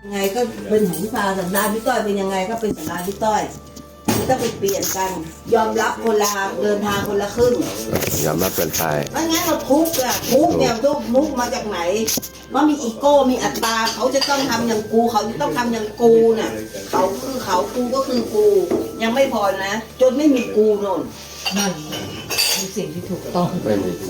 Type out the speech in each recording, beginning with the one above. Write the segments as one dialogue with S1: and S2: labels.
S1: ยังไงก็เป็นของพี่พาสันดานพี่ต้อยเป็นยังไงก็เป็นสันดานพี่ต้อยไม่ต้องไปเปลี่ยนกัน ยอมรับคนละเดินทางคนละครึ่ง
S2: ยอมรับเป็นไป
S1: ไม่งั้นเราทุกข์อะทุกข์เนี่ยทุกมุกมาจากไหนว่ามีอีโก้มีอัตตาเขาจะต้องทำอย่างกูเขาจะต้องทำอย่างกูน่ะเขาคือเขากูก็คือกูยังไม่พอนะจนไม่มีกูโน่น
S3: นั่นเป็นสิ่งที่ถูกต้อง
S2: ไม่มีกู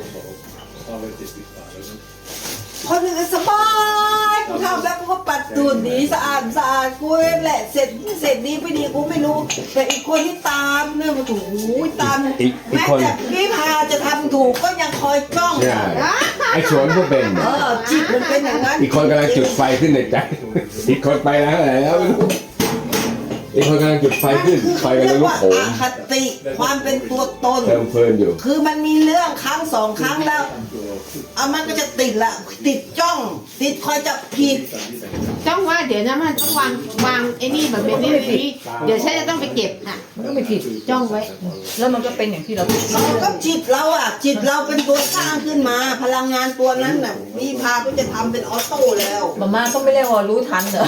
S1: คนอื่นสบายกูทำแล้วกูก็ปัดตูดดีสะอาดกูแหละเสร็จดีไม่ดีกูไม่รู้แต่อีกคนที่ตามเนี่ยมันถูกตามแม้แต่พี่พาจะทำถูกก็ยังคอยจ้อง
S2: ไอ้สวนก็เป็น
S1: จิตมันเป็นอย่างนั้น
S2: อีกคนกำลังจุดไฟขึ้นในใจอีกคนไปแล้วอะไรแล้วอีกคนกำลังจุดไฟขึ้นไฟกำลังลุกโหม
S1: คติความเป็นตัวตน
S2: เติมเพลินอยู่
S1: คือมันมีเรื่องครั้งสองครั้งแล้วมันก็จะติดละติดจ้องติดคอยจับผิด
S4: จ้องว่าเดี๋ยวนะมันต้องวางไอ้นี่แบบนี้เดี๋ยวฉันจะต้องไปเก็บอ่ะ
S3: มันก็ไม่ผิด
S4: จ้องไว้
S3: แล้วมันก็เป็นอย่างที่เรา
S1: ก็จิตเราอ่ะจิตเราเป็นตัวสร้างขึ้นมาพลังงานตัวนั้นน่ะพี่พาก็จะทำเป็นออโต้แล้ว
S3: มาก็ไม่ได้ว่ารู้ทันเหรอ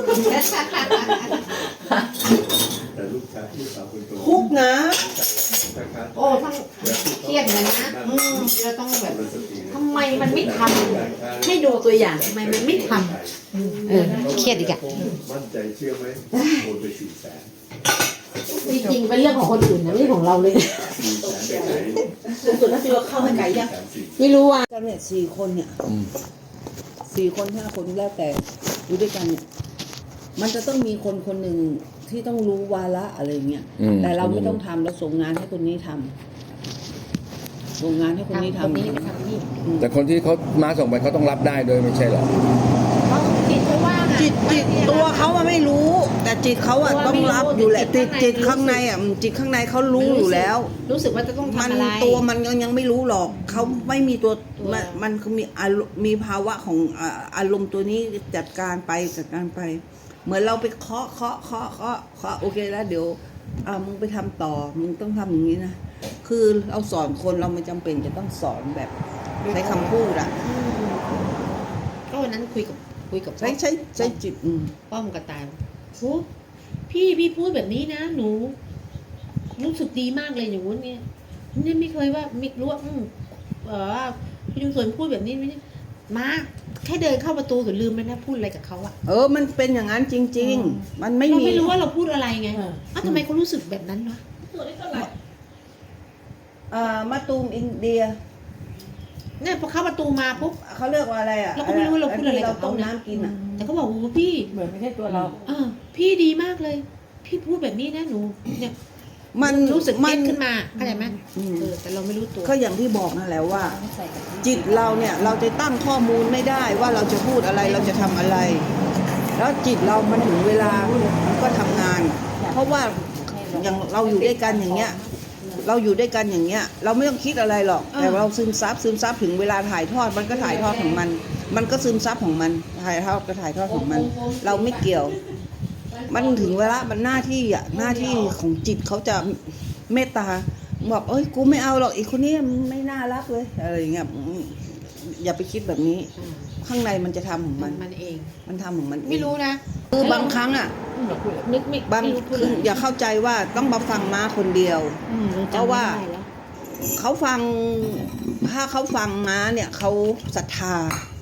S1: คุกนะ
S4: โอ้ทั้งเครียดเลยนะเราต้องแบบทำไมมันไม่ทำให้ดูตัวอย่างทำไมมันไม่ทำเครียดอีกอ่ะ
S5: มั่นใจเชื่อไหมโอนไป
S4: จริงๆเป็นเรื่องของคนอื่นนะไม่ใช่ของเราเลย
S1: สุดแล้วที่เราเข้าไปไกลยัง
S4: ไม่รู้ว่า
S1: กันเนี่ย4 คนเนี่ย4 คน5 คนแล้วแต่อยู่ด้วยกันเนี่ยมันจะต้องมีคนคนหนึ่งที่ต้องรู้วาระอะไรเงี้ยแต่เราไม่ต้องทำเราส่งงานให้คนนี้ทำส่งงานให้คนนี้ทำ
S4: นี้ไปทำนี่
S2: แต่คนที่เขามาส่งไปเขาต้องรับได้โดยไม่ใช่หรอ
S4: จิตเขาว่า
S1: จิตตัวเขาไม่รู้แต่จิตเขาต้องรับอยู่แหละจิตข้างในจิตข้างในเขารู้อยู่แล้ว
S4: รู้สึกว่าจะต้องทำอะไร
S1: ตัวมันยังไม่รู้หรอกเขาไม่มีตัวมันคือมีภาวะของอารมณ์ตัวนี้จัดการไปเหมือนเราไปเคาะโอเคแล้วเดี๋ยวมึงไปทำต่อมึงต้องทำอย่างนี้นะคือเราสอนคนเราไม่จำเป็นจะต้องสอนแบบใช้คำพูด
S4: ก็วันนั้นคุยกับ
S1: ใช้จิต
S4: ป้อมกระต่ายโอ้พี่พูดแบบนี้นะหนูรู้สึกดีมากเลยอย่างนู้นเนี่ยนี่ไม่เคยว่าไม่รู้ว่าพี่ลุงสวนพูดแบบนี้ไม่มาแค่เดินเข้าประตูก็ลืมไปนะพูดอะไรกับเขา
S1: มันเป็นอย่างนั้นจริงๆมันไม่มี
S4: เราไม่รู้ว่าเราพูดอะไรไงทำไมเขารู้สึกแบบนั้นวะ
S1: มาตูมอินเดีย
S4: เนี่ยพอเข้าประตูมาปุ๊บ
S1: เขาเรียกว่าอะไร
S4: เราก็ไม่รู้เราพูดอะไรกับเขา
S1: น้ำกิน
S4: แต่เขาบอกว่าพี่
S3: เหมือนไม่ใช่ตัวเรา
S4: พี่ดีมากเลยพี่พูดแบบนี้นะหนูเนี่ย
S1: มัน
S4: รู้สึกเก็ตขึ้นมาเข้าใจไหมแต่เราไม่รู้ตัว
S1: ก็อย่างที่บอกนั่นแหละว่าจิตเราเนี่ยเราจะตั้งข้อมูลไม่ได้ว่าเราจะพูดอะไรเราจะทำอะไรแล้วจิตเรามันถึงเวลามันก็ทำงานเพราะว่าอย่างเราอยู่ด้วยกันอย่างเงี้ยเราไม่ต้องคิดอะไรหรอกแต่เราซึมซับถึงเวลาถ่ายทอดมันก็ถ่ายทอดของมันก็ซึมซับของมันถ่ายทอดของมันเราไม่เกี่ยวมันถึงเวลามันหน้าที่ของจิตเขาจะเมตตาบอกกูไม่เอาหรอกอีกคนนี้ไม่น่ารักเลยอะไรอย่างเงี้ยอย่าไปคิดแบบนี้ข้างในมันจะทำของมัน
S4: เอง
S1: มันทำของมัน
S4: ไม่รู้นะ
S1: คือบางครั้ง
S4: นึกไม่
S1: บางคืออย่าเข้าใจว่าต้องมาฟังม้าคนเดียวเพราะว่าเขาฟังถ้าเขาฟังม้าเนี่ยเขาศรัทธา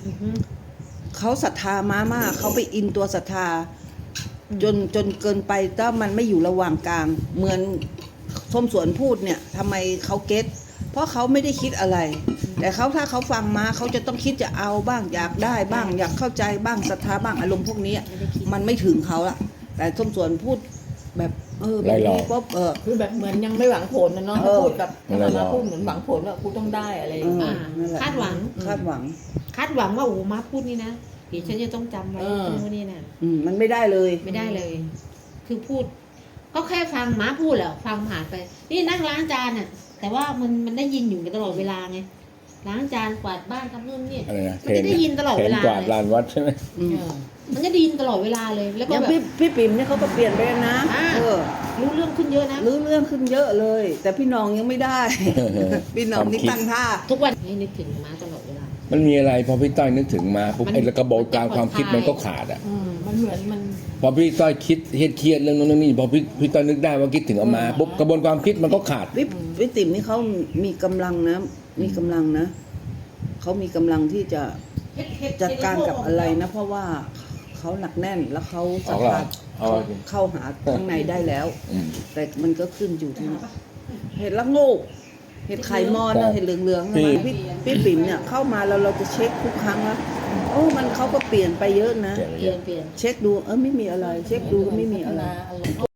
S1: ม้ามากเขาไปอินตัวศรัทธาจนเกินไปถ้ามันไม่อยู่ระหว่างกลางเหมือนส้มสวนพูดเนี่ยทำไมเขาเก็ตเพราะเขาไม่ได้คิดอะไรแต่ถ้าเขาฟังมาเขาจะต้องคิดจะเอาบ้างอยากได้บ้างอยากเข้าใจบ้างศรัทธาบ้างอารมณ์พวกนี้มันไม่ถึงเขาละแต่ส้มสวนพูดแบบ
S2: แบบนี้
S1: ปุ๊บ
S3: คือแบบเหมือนยังไม่หวังผลนะเนาะพูดแบบมาพูดเหมือนหวังผลว่ากูต้องได้อะไร
S4: คาดหวังว่าโอ้มาพูดนี่นะเดี๋ยวฉันจะต้องจำไว้พวกนี้นะ
S1: มันไม่ได้เลย
S4: คือพูดก็แค่ฟังม้าพูดแหละฟังผ่านไปนี่นั่งล้างจานน่ะแต่ว่ามันได้ยินอยู่ตลอดเวลาไงล้างจานกวาดบ้านทำนู่นนี่มันจะได้ยินตลอดเวลาก
S2: วาดลานวัดใช่ไหม
S4: มันจะได้ยินตลอดเวลาเลยแล้วก็แบบ
S1: พี่ปิ่มเนี่ยเขาก็เปลี่ยนไปนะ
S4: รู้เรื่องขึ้นเยอะนะ
S1: รู้เรื่องขึ้นเยอะเลยแต่พี่น้องยังไม่ได้พี่น้องนี่ตั้งท่า
S4: ทุกวันให้นึกถึงม้าตลอดเวลา
S2: มันมีอะไรพอพี่ต้อยนึกถึงมาปุ๊บไอ้กระบวนการความคิดมันก็ขาด
S3: มัน
S2: พอพี่ต้อยคิดเครียดเรื่องนั้นเรื่องนี้พอพี่ต้อยนึกได้ว่าคิดถึงเอามาปุ๊บกระบวนความคิดมันก็ขาด
S1: วิติ๋มนี่เขามีกำลังนะมีกำลังนะเขามีกำลังที่จะจัดการกับอะไรนะเพราะว่าเขาหนักแน่นแล้วเขาสามารถ
S2: เอาละ
S1: เข้าหาข้างในได้แล้ว
S2: อืม
S1: แต่มันก็ขึ้นอยู่ที่เห็ดละโงูเห็ดไข่มอนนะเห็ดเหลืองๆนะพี่ปิ่มเนี่ยเข้ามาแล้วเราจะเช็คทุกครั้งแล้วโอ้มันเขาก็เปลี่ยนไปเยอะนะ
S2: เปลี่ยนไป
S4: เป
S2: เย
S4: ลี่ย
S2: อะ
S4: น
S1: เช็คดูไม่มีอะไร เช็คดูก็ไม่มีอะไร
S3: อารมณ์